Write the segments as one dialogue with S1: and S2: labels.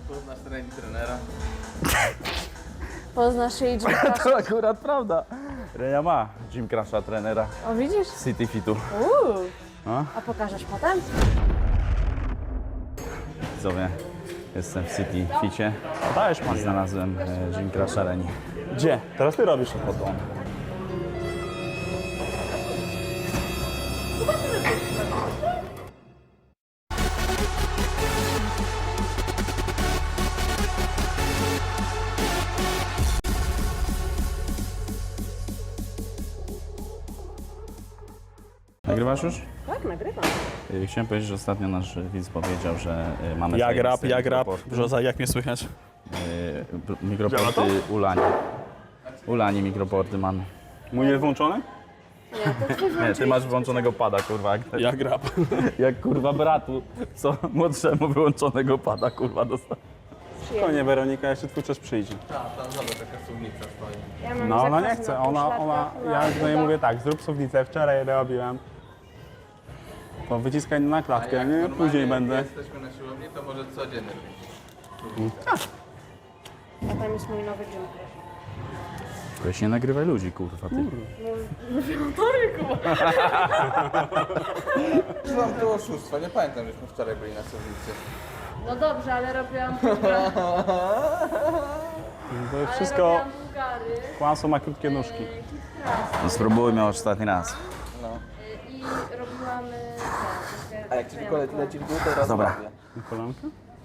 S1: Poznasz trening trenera?
S2: Poznasz jej Gym Crusha.
S3: To akurat prawda. Renia ma Gym Crusha trenera
S2: O, widzisz?
S3: City Fitu. No.
S2: A pokażesz potem?
S3: Widzowie, jestem w City Ficie. Dajesz pan. Znalazłem Gym Crusha Reni.
S4: Gdzie? Teraz ty robisz.
S3: Oto on. Nagrywasz już?
S2: Tak, nagrywam.
S3: Chciałem powiedzieć, że ostatnio nasz widz powiedział, że mamy...
S4: Jak rap,
S3: zajebiste
S4: jak rap.
S3: mikroporty.
S4: Brzoza, jak mnie słychać?
S3: Mikroporty Ulani. Ulani mikroporty mamy.
S4: Mój jest włączony?
S2: Nie, to twój
S3: Nie, ty masz włączonego pada, kurwa.
S4: Jak rap.
S3: Jak kurwa bratu, co młodszemu wyłączonego pada, kurwa, dostał.
S4: To nie, Weronika, jeszcze twój czas przyjdzie.
S1: Tak, tam zobacz, taka suwnica stoi.
S2: Ja mam
S4: No ona nie
S2: zakaz
S4: chce,
S2: na
S4: ona,
S2: pośladkach,
S4: ja do niej mówię tak, zrób suwnicę, wczoraj robiłem. To wyciskaj na klatkę, nie?
S1: Normalnie
S4: Później
S1: jak
S4: będę.
S1: jesteśmy na siłowni, to może codziennie być.
S2: A tam jest mój nowy gym.
S3: Weź nie nagrywaj ludzi, kurwa, ty.
S1: Mam to oszustwa, nie pamiętam, żeśmy wczoraj byli na suwnicy.
S2: No dobrze, ale robiłam
S4: To wszystko,
S2: Bułgary
S4: kłamstwo ma krótkie nóżki.
S3: No spróbujmy już ostatni raz.
S2: i robiłam...
S1: A jak ci tylko leci w dół, to raz
S3: Dobra.
S1: robię.
S4: Kolanka?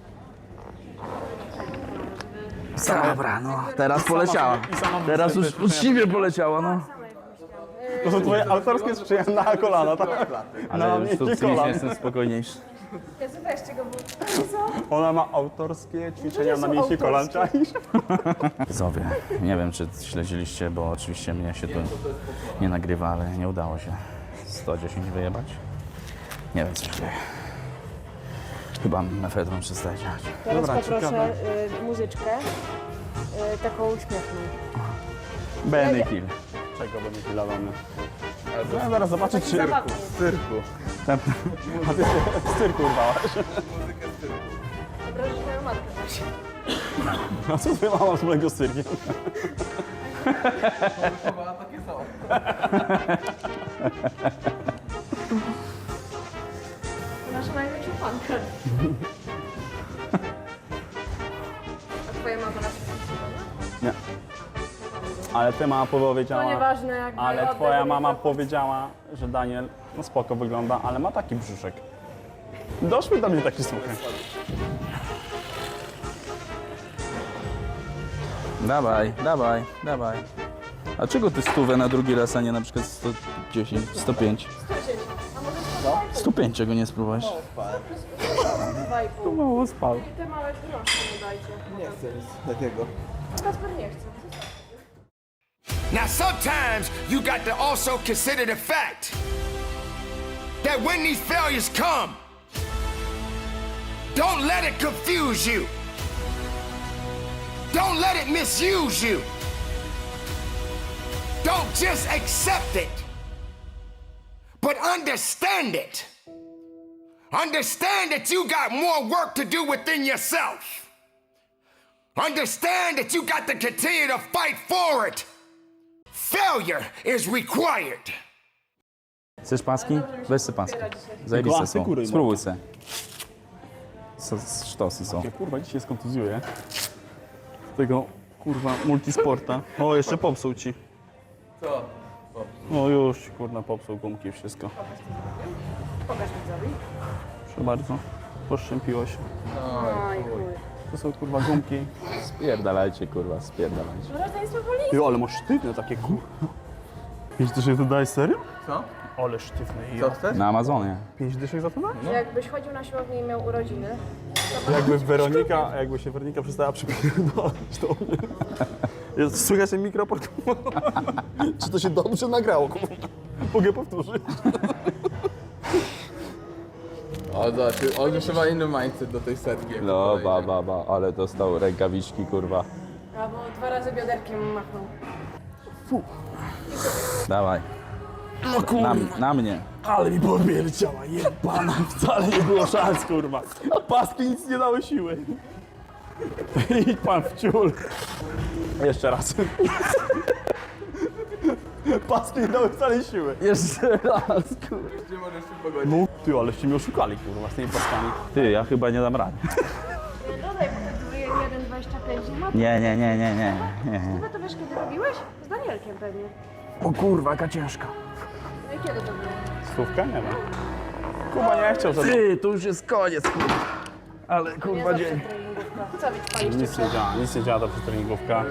S3: Dobra, no, teraz poleciała. Teraz już uczciwie poleciała, no.
S4: To są twoje autorskie sprzyjania na kolana, tak?
S3: Ale
S4: Na
S3: już tu
S4: mięśnie
S3: psychicznie
S4: kolan.
S3: jestem spokojniejszy.
S2: Weźcie go, bo...
S4: Ona ma autorskie ćwiczenia na
S2: są
S4: mięśnie kolan, czaisz?
S3: Widzowie, nie wiem, czy śledziliście, bo oczywiście mnie się tu nie nagrywa, ale nie udało się 110 wyjebać. Nie wiem, co się dzieje. Chyba mefedron przestaje działać.
S2: Teraz
S4: Dobra,
S2: poproszę
S4: ciekawe.
S2: muzyczkę, taką uśmiechną.
S3: Benny Hill.
S4: Czego by nie pilowany? No, zaraz zobaczyć, czy...
S2: Zabawnie.
S1: W cyrku.
S4: A ty się z cyrku urwałaś.
S1: Muzykę z cyrku.
S2: Obrażasz moją matkę właśnie.
S4: A co twoja mama wspólnego z cyrkiem?
S1: Chyba takie są.
S2: To nasza największa fanka. A twoja mama nas
S4: Nie. Ale ty mama powiedziała...
S2: To nieważne, jakby
S4: Ale
S2: oddech
S4: twoja
S2: do
S4: mama
S2: mikrofonu.
S4: powiedziała, że Daniel no spoko wygląda, ale ma taki brzuszek. Doszły do mnie takie słuchy.
S3: Dawaj, dawaj, dawaj. A czego ty stówę na drugi raz, a nie na przykład 110, 105? 105 czego nie spróbujesz?
S2: 2,5.
S4: Mało spał.
S2: I te małe groszki mu dajcie.
S1: Nie chcę nic takiego.
S2: Kasper nie chce.
S5: Now, sometimes you got to also consider the fact that when these failures come, don't let it confuse you. Don't let it misuse you. Don't just accept it, but understand it. Understand that you got more work to do within yourself. Understand that you got to continue to fight for it. Failure is required.
S3: Chcesz paski? Weź se paski. Zajebiste
S4: Klasy
S3: są.
S4: kury, no.
S3: Spróbuj se. Sztosy są.
S4: Ja kurwa dzisiaj skontuzjuję. Tego kurwa multisporta. O, jeszcze popsuł ci.
S1: Co?
S4: O, już ci, kurwa popsuł gumki i wszystko.
S2: Pokaż widzowi.
S4: Proszę bardzo. Poszczępiło się.
S2: Oj, chuj.
S4: To są kurwa gumki.
S3: Spierdalajcie, kurwa, spierdalajcie.
S2: Rodzeństwo woli.
S4: Ty, ale masz sztywne takie kurwa. 5 dyszek to dajesz serio?
S1: Co?
S4: Ale sztywne.
S1: Co chcesz?
S3: Na Amazonie.
S4: 5 dyszek za to da?
S2: Jakbyś chodził na siłownię i miał urodziny,
S4: Jakby się Weronika przestała przypierdolać do mnie. Jest, słychać ten mikroport? Czy to się dobrze nagrało? Kurwa? Mogę powtórzyć?
S1: O, zobacz, on już chyba inny mindset do tej setki. jak
S3: No,
S1: podejdzie.
S3: ba, ale dostał rękawiczki, kurwa.
S2: albo 2 razy bioderkiem machnął.
S3: Dawaj.
S4: No kurwa.
S3: Na mnie.
S4: Ale mi powiedziała, jebana. Wcale nie było szans, kurwa. A paski nic nie dały siły. Idź pan w ciul. Jeszcze raz. Paski nie dały wcale siły.
S3: Jeszcze raz, kurwa.
S1: Gdzie możesz się pogodzić?
S4: No ty, aleście mnie oszukali, kurwa, z tymi paskami.
S3: Ty, ja chyba nie dam rady.
S2: Dodaj, bo to 1,25 ma.
S3: Nie.
S2: Chyba to wiesz, kiedy robiłeś? Z Danielkiem pewnie.
S3: O kurwa, jaka ciężka.
S2: No i kiedy to było?
S4: Stówka? Nie wiem. Kuba nie chciał za
S3: Ty, to już jest koniec, kurwa. Ale
S2: Nie
S3: kurwa
S2: zawsze
S3: dzień.
S2: treningówka. Co wy paliście
S4: Nic nie
S2: przed?
S4: działa, nic nie działa ta treningówka.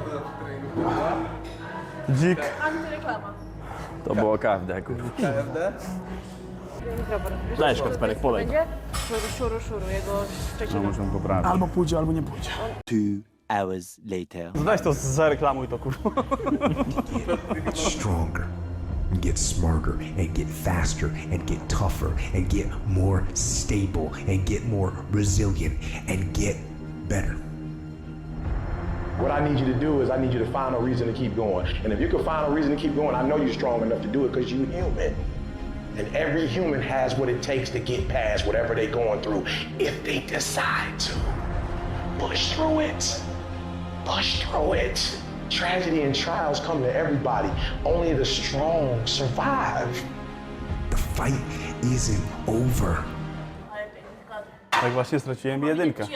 S4: Dzik.
S2: Antyreklama.
S3: To było każde, kurwa.
S1: KFD?
S4: Dajesz Kacperek, polej.
S2: Będzie? Szuru, jego
S3: No
S2: Szczecina.
S3: muszę poprawić.
S4: Albo pójdzie, albo nie pójdzie.
S6: 2 hours later.
S4: Weź to zareklamuj to, kurwa.
S7: Stronger, and get smarter, and get faster, and get tougher, and get more stable, and get more resilient, and get better.
S8: What I need you to do is I need you to find a reason to keep going. And if you can find a reason to keep going, I know you're strong enough to do it because you're human. And every human has what it takes to get past whatever they're going through if they decide to. Push through it. Push through it. Tragedy and trials come to everybody. Only the strong survive.
S7: The fight isn't over.
S4: Tak właśnie straciłem jedynkę.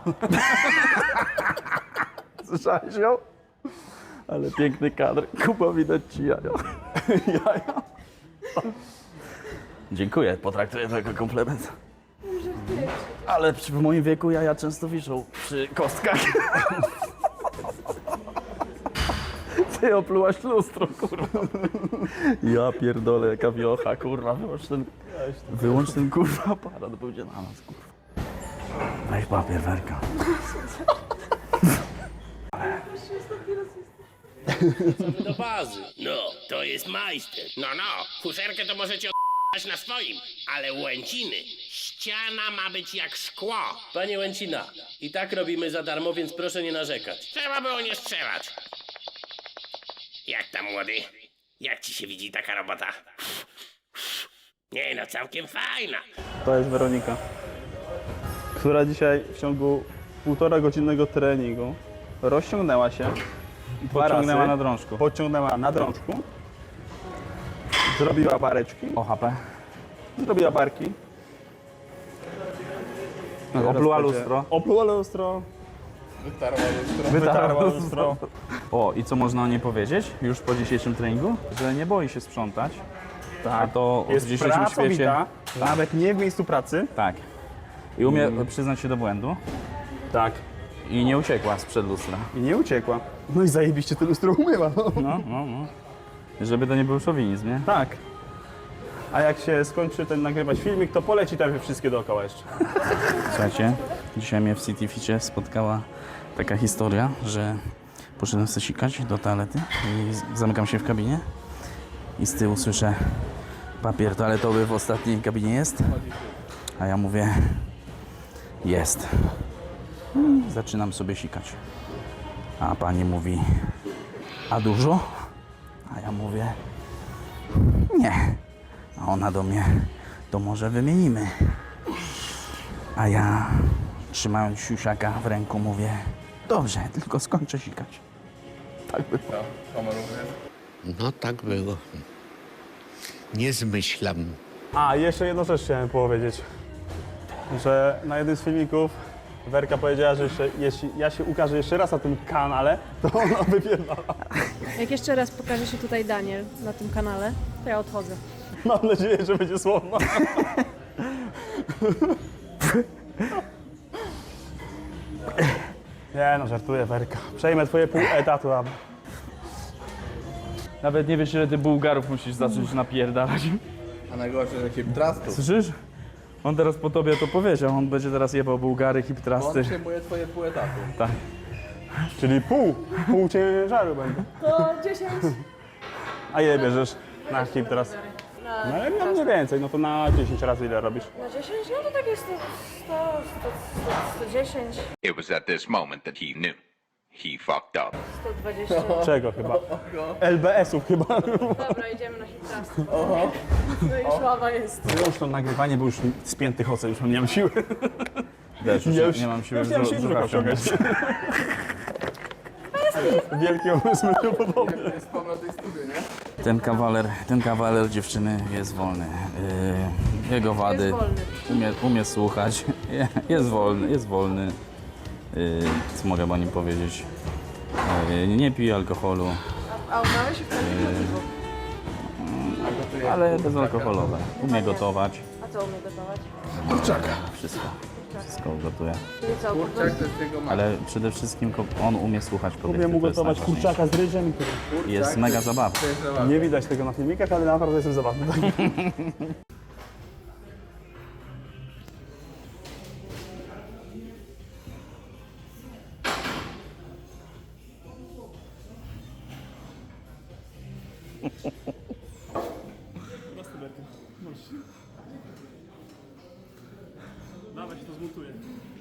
S3: Słyszałeś ją? Ale piękny kadr. Kuba, widać ci jaja. Jaja. Dziękuję, potraktuję to jako komplement. Ale w moim wieku jaja często wiszą przy kostkach. Ty oplułaś lustro, kurwa. Ja pierdolę, jaka wiocha, kurwa. Wyłącz ten kurwa aparat, będzie na nas, kurwa. Weź papier, Werka.
S9: Do bazy. No, to jest majster. No, fuszerkę to możecie o***ać na swoim, ale Łęciny, ściana ma być jak szkło. Panie Łęcina, i tak robimy za darmo, więc proszę nie narzekać. Trzeba było nie strzelać. Jak tam, młody? Jak ci się widzi taka robota? Nie no, całkiem fajna.
S4: To jest Weronika, która dzisiaj w ciągu 1,5-godzinnego treningu rozciągnęła się.
S3: Podciągnęła na drążku.
S4: Podciągnęła na drążku. Zrobiła bareczki.
S3: OHP.
S4: Zrobiła barki.
S3: Opluła lustro.
S4: Opluła lustro.
S1: Wytarła lustro.
S4: Wytarła lustro.
S3: O, i co można o niej powiedzieć już po dzisiejszym treningu? Że nie boi się sprzątać. Tak. A to w
S4: Jest
S3: dzisiejszym świecie...
S4: pracowita, nawet nie w miejscu pracy.
S3: Tak. I umie przyznać się do błędu.
S4: Tak.
S3: I nie uciekła sprzed lustra.
S4: I nie uciekła. No i zajebiście to lustro umyła. No.
S3: No. Żeby to nie był szowinizm, nie?
S4: Tak. A jak się skończy ten nagrywać filmik, to poleci tam wszystkie dookoła jeszcze.
S3: Słuchajcie, dzisiaj mnie w City Ficie spotkała taka historia, że poszedłem sobie sikać do toalety i zamykam się w kabinie i z tyłu słyszę: papier toaletowy w ostatniej kabinie jest? A ja mówię: jest. I zaczynam sobie sikać. A pani mówi: a dużo? A ja mówię: nie. A ona do mnie: to może wymienimy. A ja, trzymając siusiaka w ręku, mówię: dobrze, tylko skończę sikać. Tak było.
S1: Sama również.
S6: No tak było. Nie zmyślam.
S4: A, jeszcze jedną rzecz chciałem powiedzieć. Że na jednym z filmików Werka powiedziała, że jeśli ja się ukażę jeszcze raz na tym kanale, to ona wypierdala.
S2: Jak jeszcze raz pokaże się tutaj Daniel na tym kanale, to ja odchodzę.
S4: Mam nadzieję, że będzie słowna. Nie no, żartuję, Werka. Przejmę twoje pół etatu, a...
S3: Nawet nie wiesz, ile ty Bułgarów musisz zacząć napierdalać.
S1: A najgorsze, że hiptrastów.
S3: Słyszysz? On teraz po tobie to powiedział, on będzie teraz jebał Bułgary,
S1: Bo
S3: hiptrasty.
S1: on przyjmuje twoje pół etatu.
S3: Tak.
S4: Czyli pół ciężaru będzie.
S2: To 10.
S4: A ile bierzesz na hip teraz? No ale no mniej więcej, no to na 10 razy ile robisz?
S2: Na 10? No to tak jest 110,
S10: It was at this moment that he knew. He fucked up.
S2: 120.
S4: Czego chyba? LBS-ów chyba.
S2: Dobra, idziemy na hitrast. No i już ława jest.
S4: Już to nagrywanie, bo już spięty chodzę, już nie mam siły.
S3: Też już
S4: Ja już
S3: nie mam siły
S4: już nie mam siły
S3: brzucha
S4: wciągać. Wielkie umysły niepodobne.
S1: Jest pan na tej stówie, nie?
S3: Ten kawaler dziewczyny jest wolny. Jego wady
S2: Jest wolny.
S3: umie słuchać. Jest wolny. Co mogę o nim powiedzieć? Nie pije alkoholu,
S2: A ubrałeś się wtedy na piwo.
S3: ale bezalkoholowe. Umie gotować.
S2: A co umie gotować?
S3: Wszystko ugotuje.
S2: Czyli co, po
S1: Kurczak
S2: prostu
S1: to jest jego
S3: Ale przede wszystkim on umie słuchać kobiety.
S4: Umiem
S3: to jest
S4: ugotować
S3: najważniejsze.
S4: kurczaka z ryżem i tyle.
S3: Jest mega zabawny.
S1: To jest zabawne.
S4: Nie widać tego na filmikach, ale naprawdę jestem zabawny. Dawaj się to zmutuje.